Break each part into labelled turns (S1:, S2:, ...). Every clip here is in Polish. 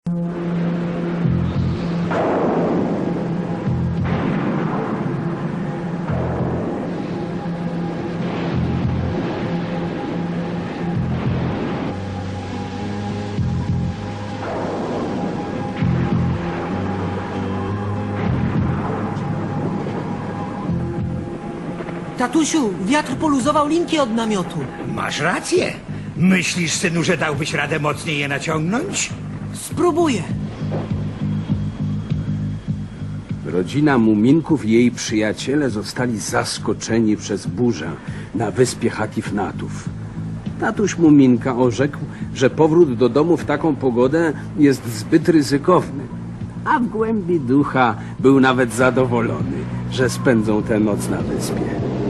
S1: Tatusiu, wiatr poluzował linki od namiotu.
S2: Masz rację. Myślisz, synu, że dałbyś radę mocniej je naciągnąć?
S1: Spróbuję.
S3: Rodzina Muminków i jej przyjaciele zostali zaskoczeni przez burzę na wyspie Hatifnatów. Tatuś Muminka orzekł, że powrót do domu w taką pogodę jest zbyt ryzykowny. A w głębi ducha był nawet zadowolony, że spędzą tę noc na wyspie.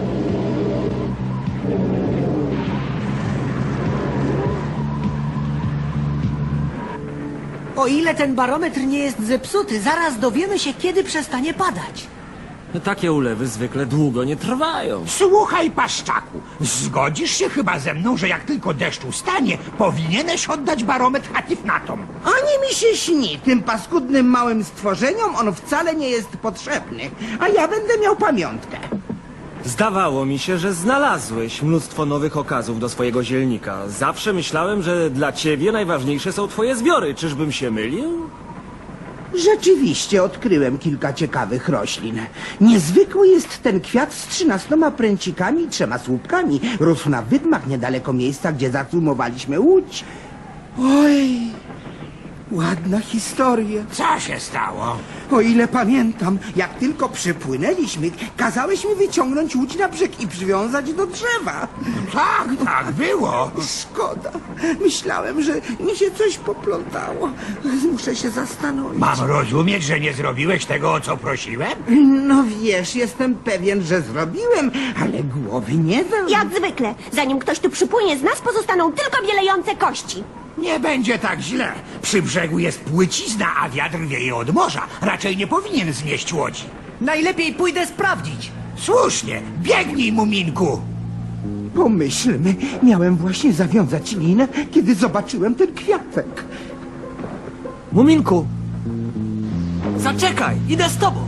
S1: O ile ten barometr nie jest zepsuty, zaraz dowiemy się, kiedy przestanie padać.
S4: Takie ulewy zwykle długo nie trwają.
S2: Słuchaj, paszczaku, zgodzisz się chyba ze mną, że jak tylko deszcz ustanie, powinieneś oddać barometr Hatifnatom.
S5: Ani mi się śni, tym paskudnym małym stworzeniom on wcale nie jest potrzebny, a ja będę miał pamiątkę.
S4: Zdawało mi się, że znalazłeś mnóstwo nowych okazów do swojego zielnika. Zawsze myślałem, że dla ciebie najważniejsze są twoje zbiory. Czyżbym się mylił?
S5: Rzeczywiście odkryłem kilka ciekawych roślin. Niezwykły jest ten kwiat z 13 pręcikami i 3 słupkami. Rósł na wydmach niedaleko miejsca, gdzie zacumowaliśmy łódź. Oj, ładna historia.
S2: Co się stało?
S5: O ile pamiętam, jak tylko przypłynęliśmy, kazałeś mi wyciągnąć łódź na brzeg i przywiązać do drzewa.
S2: Tak, tak było.
S5: Szkoda. Myślałem, że mi się coś poplątało. Muszę się zastanowić.
S2: Mam rozumieć, że nie zrobiłeś tego, o co prosiłem?
S5: No wiesz, jestem pewien, że zrobiłem, ale głowy nie dam.
S6: Jak zwykle, zanim ktoś tu przypłynie z nas, pozostaną tylko bielejące kości.
S2: Nie będzie tak źle. Przy brzegu jest płycizna, a wiatr wieje od morza. Raczej nie powinien znieść łodzi.
S1: Najlepiej pójdę sprawdzić.
S2: Słusznie, biegnij, Muminku.
S5: Pomyślmy, miałem właśnie zawiązać linę, kiedy zobaczyłem ten kwiatek.
S1: Muminku! Zaczekaj, idę z tobą.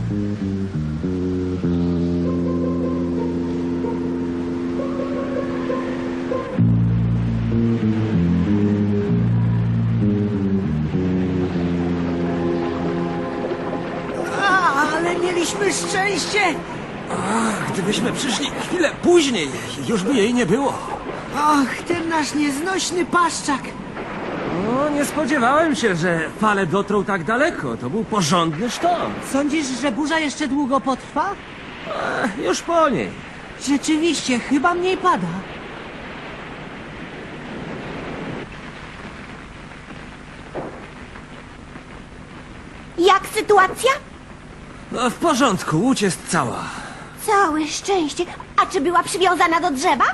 S1: Ale mieliśmy szczęście!
S4: Gdybyśmy przyszli chwilę później, już by jej nie było.
S1: Ach, ten nasz nieznośny paszczak!
S4: No, nie spodziewałem się, że fale dotrą tak daleko. To był porządny sztorm.
S1: Sądzisz, że burza jeszcze długo potrwa?
S4: Już po niej.
S1: Rzeczywiście, chyba mniej pada.
S6: Jak sytuacja?
S4: No, w porządku, łódź jest cała.
S6: Całe szczęście. A czy była przywiązana do drzewa?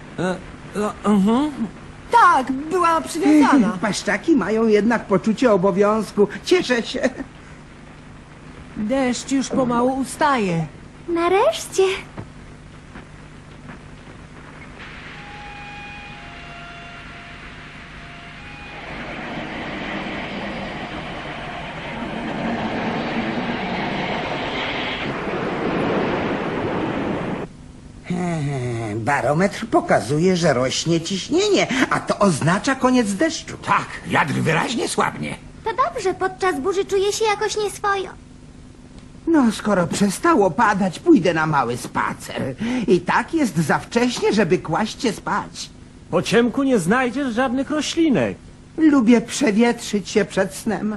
S1: Tak, była przywiązana.
S5: Paszczaki mają jednak poczucie obowiązku. Cieszę się.
S1: Deszcz już pomału ustaje.
S6: Nareszcie.
S5: Barometr pokazuje, że rośnie ciśnienie, a to oznacza koniec deszczu.
S2: Tak, wiatr wyraźnie słabnie.
S6: To dobrze, podczas burzy czuję się jakoś nieswojo.
S5: No, skoro przestało padać, pójdę na mały spacer. I tak jest za wcześnie, żeby kłaść się spać.
S4: Po ciemku nie znajdziesz żadnych roślinek.
S5: Lubię przewietrzyć się przed snem.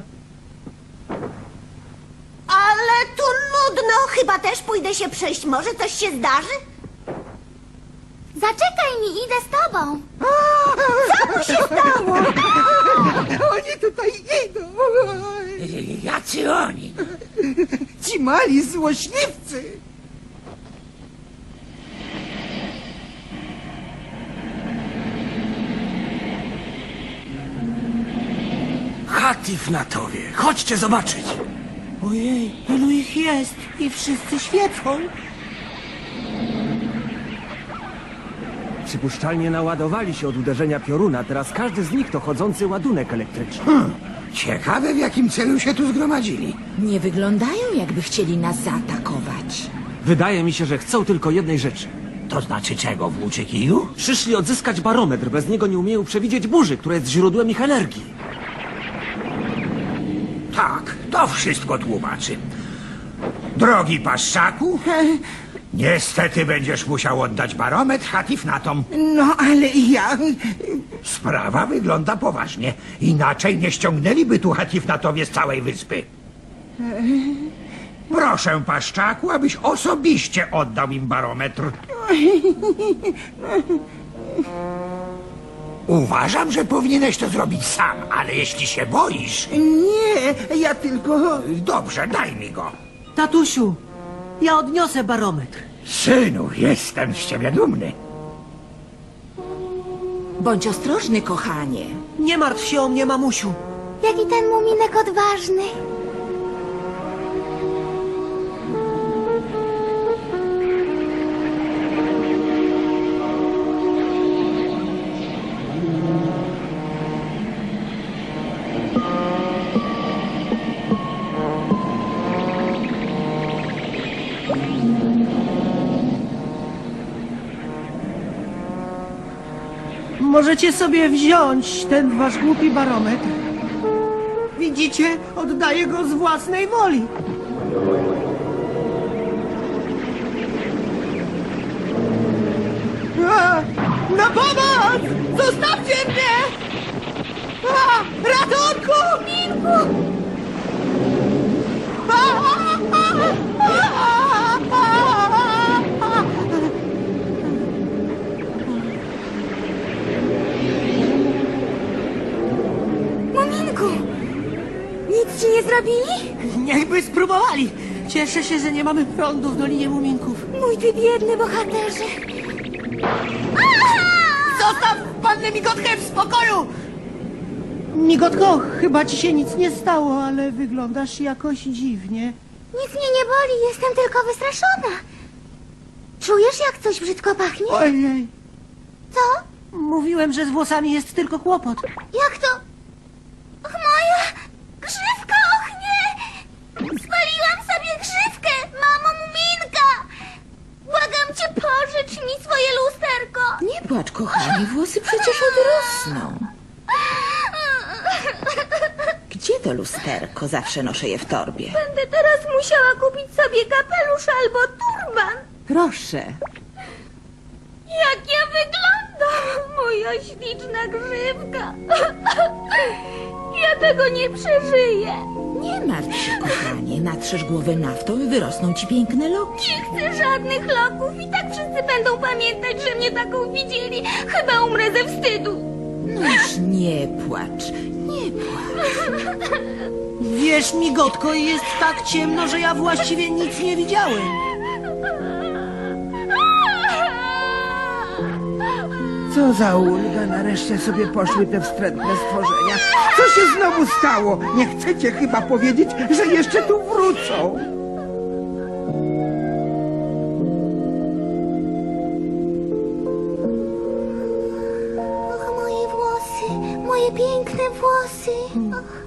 S6: Ale tu nudno. Chyba też pójdę się przejść. Może coś się zdarzy? Zaczekaj mi, idę z tobą. Co tu się stało?
S5: Oni tutaj idą.
S2: Jacy oni?
S5: Ci mali złośliwcy.
S4: Hatifnatowie, chodźcie zobaczyć.
S1: Ojej, ilu ich jest i wszyscy świecą.
S4: Przypuszczalnie naładowali się od uderzenia pioruna. Teraz każdy z nich to chodzący ładunek elektryczny.
S2: Ciekawe, w jakim celu się tu zgromadzili.
S7: Nie wyglądają, jakby chcieli nas zaatakować.
S4: Wydaje mi się, że chcą tylko jednej rzeczy.
S2: To znaczy czego, włóczy kiju?
S4: Przyszli odzyskać barometr, bez niego nie umieją przewidzieć burzy, która jest źródłem ich energii.
S2: Tak, to wszystko tłumaczy. Drogi paszczaku, niestety będziesz musiał oddać barometr Hatifnatom.
S5: No, ale ja...
S2: Sprawa wygląda poważnie. Inaczej nie ściągnęliby tu Hatifnatowie z całej wyspy. Proszę, paszczaku, abyś osobiście oddał im barometr. Uważam, że powinieneś to zrobić sam, ale jeśli się boisz...
S5: Nie, ja tylko...
S2: Dobrze, daj mi go.
S1: Tatusiu, ja odniosę barometr.
S2: Synu, jestem z ciebie dumny.
S7: Bądź ostrożny, kochanie.
S1: Nie martw się o mnie, mamusiu.
S6: Jaki ten muminek odważny.
S1: Możecie sobie wziąć ten wasz głupi barometr. Widzicie? Oddaję go z własnej woli. Na pomoc! Zostawcie mnie! Ratunku! Minku!
S6: Muminku! Nic ci nie zrobili?
S1: Niechby spróbowali. Cieszę się, że nie mamy prądu w Dolinie Muminków.
S6: Mój ty biedny bohaterze.
S1: Zostaw pannę Migotkę w spokoju! Migotko, chyba ci się nic nie stało, ale wyglądasz jakoś dziwnie.
S6: Nic mnie nie boli, jestem tylko wystraszona. Czujesz, jak coś brzydko pachnie?
S1: Ojej,
S6: Co?
S1: mówiłem, że z włosami jest tylko kłopot.
S6: Jak to? Och, moja grzywka, och nie! Spaliłam sobie grzywkę, mamo Muminka! Błagam cię, pożycz mi swoje lusterko!
S7: Nie płacz, kochanie, włosy przecież odrosną. Gdzie to lusterko? Zawsze noszę je w torbie.
S6: Będę teraz musiała kupić sobie kapelusz albo turban.
S7: Proszę.
S6: Jak ja wyglądam, moja śliczna grzywka. Ja tego nie przeżyję.
S7: Nie martw się, kochanie. Natrzesz głowę naftą i wyrosną ci piękne loki.
S6: Nie chcę żadnych loków i tak wszyscy będą pamiętać, że mnie taką widzieli. Chyba umrę ze wstydu.
S7: No już nie płacz. Nie płacz.
S1: Wiesz, Migotko, jest tak ciemno, że ja właściwie nic nie widziałem.
S5: Co za ulga, nareszcie sobie poszły te wstrętne stworzenia. Co się znowu stało? Nie chcecie chyba powiedzieć, że jeszcze tu wrócą.
S6: Och, moje włosy, moje piękne włosy. Och.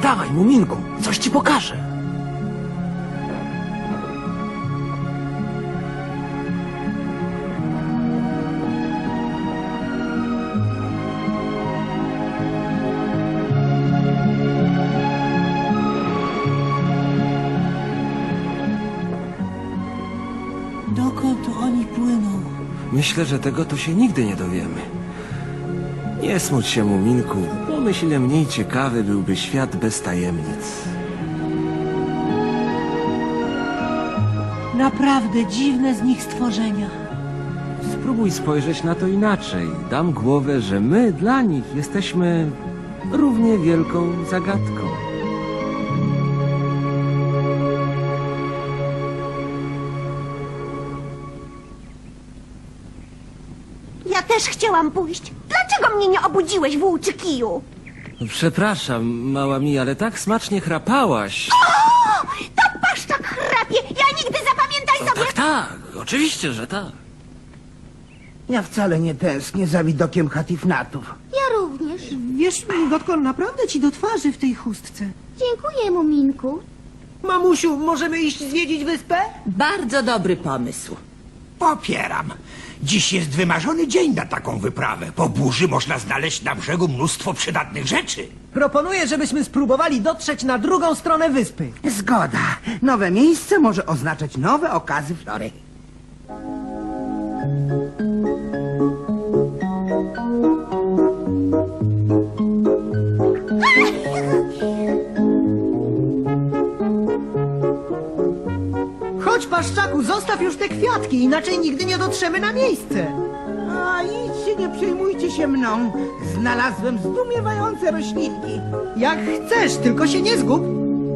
S4: Dawaj, Muminku, coś ci pokażę.
S1: Dokąd oni płyną?
S4: Myślę, że tego to się nigdy nie dowiemy. Nie smuć się, Muminku. Pomyśl, ile mniej ciekawy byłby świat bez tajemnic.
S1: Naprawdę dziwne z nich stworzenia.
S4: Spróbuj spojrzeć na to inaczej. Dam głowę, że my dla nich jesteśmy równie wielką zagadką.
S6: Ja też chciałam pójść. Dlaczego mnie nie obudziłeś, włóczy kiju?
S4: Przepraszam, mała mi, ale tak smacznie chrapałaś.
S6: O! To paszczak chrapie! Ja nigdy, zapamiętaj sobie!
S4: Tak, oczywiście, że tak.
S5: Ja wcale nie tęsknię za widokiem Hatifnatów.
S6: Ja również.
S1: Wiesz, Migotko, naprawdę ci do twarzy w tej chustce.
S6: Dziękuję, Muminku.
S1: Mamusiu, możemy iść zwiedzić wyspę?
S7: Bardzo dobry pomysł.
S2: Popieram. Dziś jest wymarzony dzień na taką wyprawę. Po burzy można znaleźć na brzegu mnóstwo przydatnych rzeczy.
S1: Proponuję, żebyśmy spróbowali dotrzeć na drugą stronę wyspy.
S5: Zgoda. Nowe miejsce może oznaczać nowe okazy flory.
S1: Chodź, Paszczaku, zostaw już te kwiatki, inaczej nigdy nie dotrzemy na miejsce.
S5: A idźcie, nie przejmujcie się mną. Znalazłem zdumiewające roślinki.
S1: Jak chcesz, tylko się nie zgub.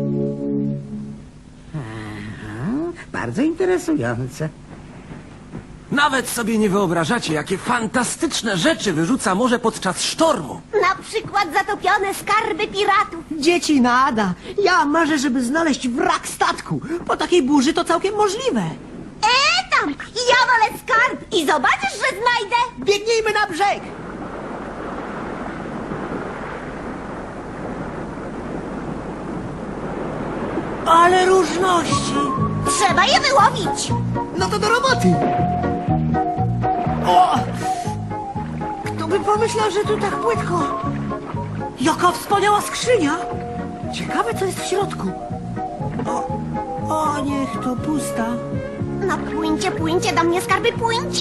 S5: Bardzo interesujące.
S4: Nawet sobie nie wyobrażacie, jakie fantastyczne rzeczy wyrzuca morze podczas sztormu.
S6: Na przykład zatopione skarby piratów.
S1: Dzieci nada. Ja marzę, żeby znaleźć wrak statku. Po takiej burzy to całkiem możliwe.
S6: Tam! Ja wolę skarb i zobaczysz, że znajdę!
S1: Biegnijmy na brzeg. Ale różności.
S6: Trzeba je wyłowić!
S1: No to do roboty. O! Kto by pomyślał, że tu tak płytko? Jaka wspaniała skrzynia! Ciekawe, co jest w środku. O, niech to pusta.
S6: No płyńcie, płyńcie do mnie, skarby, płyńcie!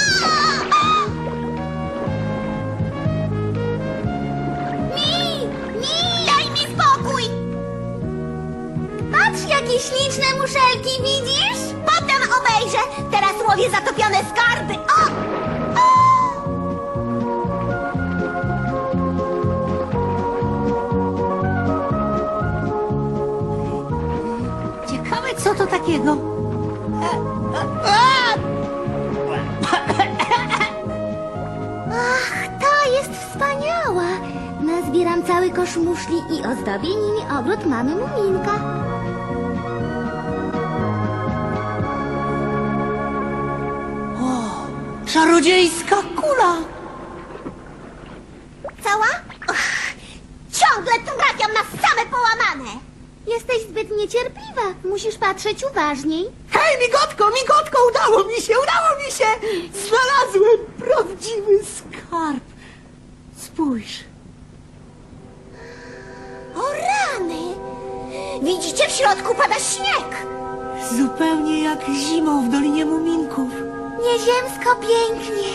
S6: Mi! Daj mi spokój! Patrz, jakie śliczne muszelki, widzisz? Potem obejrzę! Teraz łowię zatopione skarby! O!
S1: Ciekawe, co to takiego?
S6: Ach, ta jest wspaniała! Nazbieram cały kosz muszli i ozdobię nimi ogród mamy Muminka.
S1: Czarodziejska kula!
S6: Cała? Uch, ciągle trafiam na same połamane! Jesteś zbyt niecierpliwa. Musisz patrzeć uważniej.
S1: Hej, migotko, udało mi się! Znalazłem prawdziwy skarb. Spójrz.
S6: O rany! Widzicie, w środku pada śnieg!
S1: Zupełnie jak zimą w Dolinie Muminków.
S6: Nieziemsko pięknie.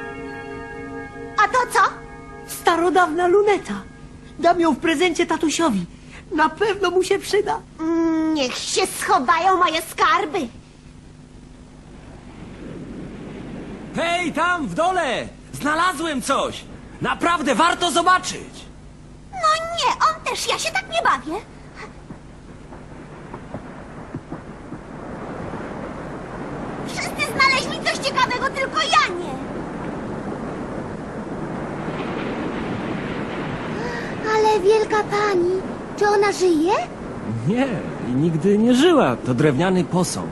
S6: A to co?
S1: Starodawna luneta. Dam ją w prezencie tatusiowi. Na pewno mu się przyda.
S6: Niech się schowają moje skarby.
S4: Hej, tam w dole! Znalazłem coś! Naprawdę warto zobaczyć!
S6: No nie, on też, ja się tak nie bawię. Wszyscy znaleźli coś ciekawego, tylko ja nie. Ale wielka pani, czy ona żyje?
S4: Nie, i nigdy nie żyła. To drewniany posąg.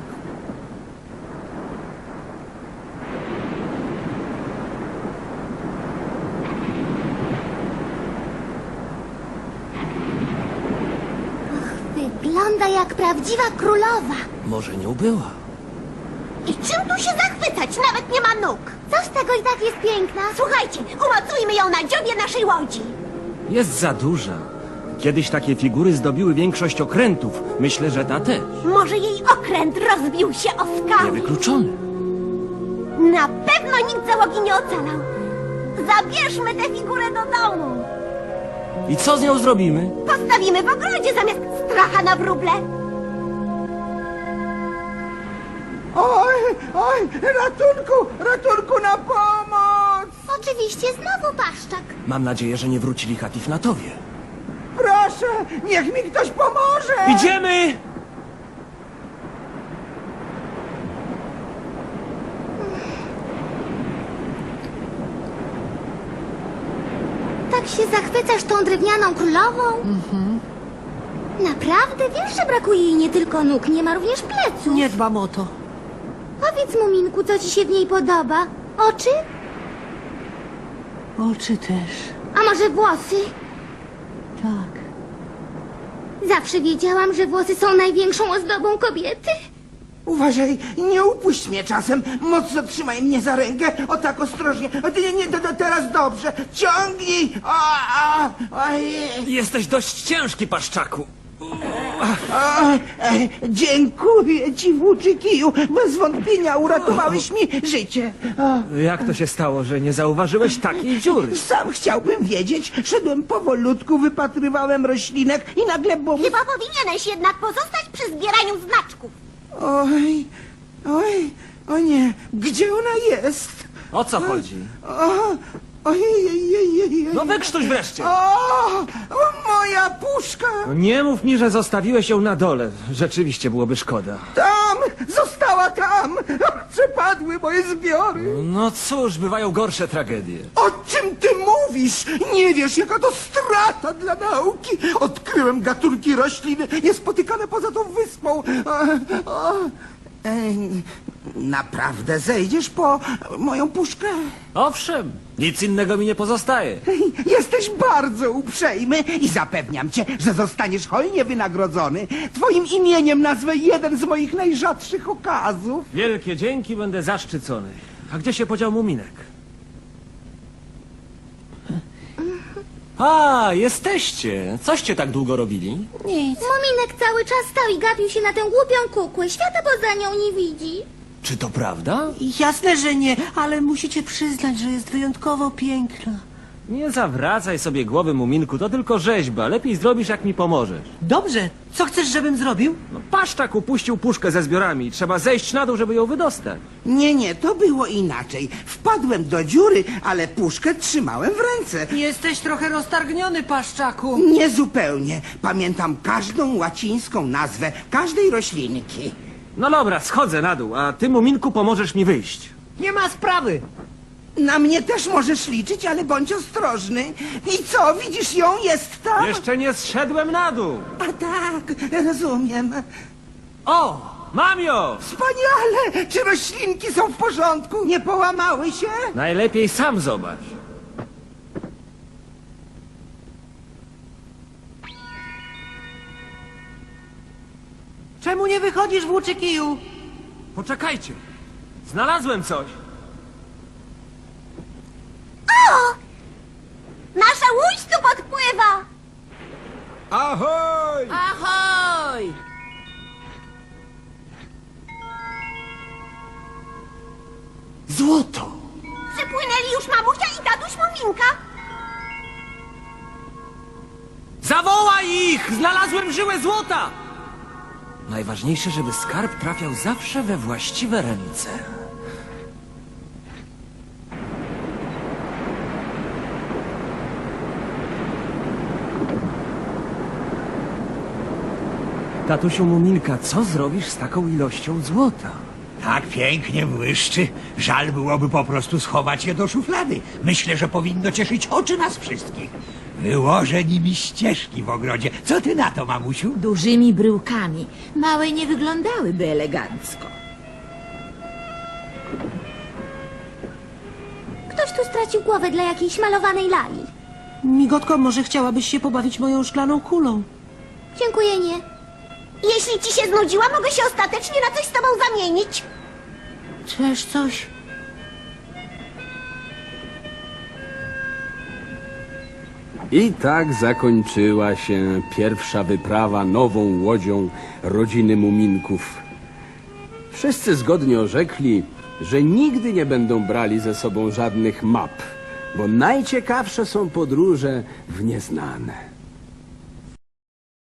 S6: Wygląda jak prawdziwa królowa.
S4: Może nią była.
S6: I czym tu się zachwycać? Nawet nie ma nóg. Co z tego i tak jest piękna? Słuchajcie, umocujmy ją na dziobie naszej łodzi.
S4: Jest za duża. Kiedyś takie figury zdobiły większość okrętów. Myślę, że ta też.
S6: Może jej okręt rozbił się o skałę.
S4: Niewykluczone.
S6: Na pewno nikt załogi nie ocalał. Zabierzmy tę figurę do domu.
S4: I co z nią zrobimy?
S6: Postawimy w ogrodzie zamiast stracha na wróble.
S5: Oj, oj, ratunku, na pomoc!
S6: Oczywiście znowu paszczak.
S4: Mam nadzieję, że nie wrócili Hatifnatowie.
S5: Proszę, niech mi ktoś pomoże!
S4: Idziemy!
S6: Tak się zachwycasz tą drewnianą królową? Naprawdę? Wiesz, że brakuje jej nie tylko nóg, nie ma również pleców.
S1: Nie dbam o to.
S6: Powiedz, Muminku, co ci się w niej podoba? Oczy?
S1: Oczy też.
S6: A może włosy?
S1: Tak.
S6: Zawsze wiedziałam, że włosy są największą ozdobą kobiety.
S5: Uważaj, nie upuść mnie czasem. Mocno trzymaj mnie za rękę. O tak ostrożnie. Teraz dobrze. Ciągnij. Ojej.
S4: Jesteś dość ciężki, paszczaku.
S5: Dziękuję ci, włóczy kiju. Bez wątpienia uratowałeś mi życie.
S4: Jak to się stało, że nie zauważyłeś takiej dziury?
S5: Sam chciałbym wiedzieć. Szedłem powolutku, wypatrywałem roślinek i nagle bum.
S6: Chyba powinieneś jednak pozostać przy zbieraniu znaczków.
S5: Oj, o nie. Gdzie ona jest?
S4: O co chodzi?
S5: Ojej.
S4: No wykrztuś wreszcie!
S5: O, moja puszka!
S4: Nie mów mi, że zostawiłeś ją na dole. Rzeczywiście byłoby szkoda.
S5: Tam! Została tam! Przepadły moje zbiory!
S4: No cóż, bywają gorsze tragedie.
S5: O czym ty mówisz? Nie wiesz, jaka to strata dla nauki! Odkryłem gatunki roślin niespotykane poza tą wyspą. Naprawdę zejdziesz po moją puszkę?
S4: Owszem, nic innego mi nie pozostaje.
S5: Jesteś bardzo uprzejmy i zapewniam cię, że zostaniesz hojnie wynagrodzony. Twoim imieniem nazwę jeden z moich najrzadszych okazów.
S4: Wielkie dzięki, będę zaszczycony. A gdzie się podział Muminek? A, jesteście. Coście tak długo robili?
S1: Nic.
S6: Muminek cały czas stał i gapił się na tę głupią kukłę. Świata poza nią nie widzi.
S4: Czy to prawda?
S1: Jasne, że nie, ale musicie przyznać, że jest wyjątkowo piękna.
S4: Nie zawracaj sobie głowy, Muminku, to tylko rzeźba. Lepiej zrobisz, jak mi pomożesz.
S1: Dobrze, co chcesz, żebym zrobił?
S4: No, paszczak upuścił puszkę ze zbiorami. Trzeba zejść na dół, żeby ją wydostać.
S5: Nie, to było inaczej. Wpadłem do dziury, ale puszkę trzymałem w ręce.
S1: Jesteś trochę roztargniony, paszczaku.
S5: Niezupełnie. Pamiętam każdą łacińską nazwę każdej roślinki.
S4: No dobra, schodzę na dół, a ty, Muminku, pomożesz mi wyjść.
S1: Nie ma sprawy.
S5: Na mnie też możesz liczyć, ale bądź ostrożny. I co, widzisz ją? Jest tam?
S4: Jeszcze nie zszedłem na dół.
S5: A tak, rozumiem.
S4: O, mam ją!
S5: Wspaniale! Czy roślinki są w porządku? Nie połamały się?
S4: Najlepiej sam zobacz.
S1: Czemu nie wychodzisz, włóczy kiju?
S4: Poczekajcie. Znalazłem coś.
S6: Nasza łódź tu podpływa.
S3: Ahoj!
S7: Ahoj!
S4: Złoto!
S6: Przypłynęli już mamusia i tatuś Muminka.
S4: Zawołaj ich! Znalazłem żyłę złota! Najważniejsze, żeby skarb trafiał zawsze we właściwe ręce. Tatusiu Muminka, co zrobisz z taką ilością złota?
S2: Tak pięknie błyszczy. Żal byłoby po prostu schować je do szuflady. Myślę, że powinno cieszyć oczy nas wszystkich. Wyłożę nimi ścieżki w ogrodzie. Co ty na to, mamusiu?
S7: Dużymi bryłkami. Małe nie wyglądałyby elegancko.
S6: Ktoś tu stracił głowę dla jakiejś malowanej lali.
S1: Migotko, może chciałabyś się pobawić moją szklaną kulą?
S6: Dziękuję, nie. Jeśli ci się znudziła, mogę się ostatecznie na coś z tobą zamienić.
S1: Też coś?
S3: I tak zakończyła się pierwsza wyprawa nową łodzią rodziny Muminków. Wszyscy zgodnie orzekli, że nigdy nie będą brali ze sobą żadnych map, bo najciekawsze są podróże w nieznane.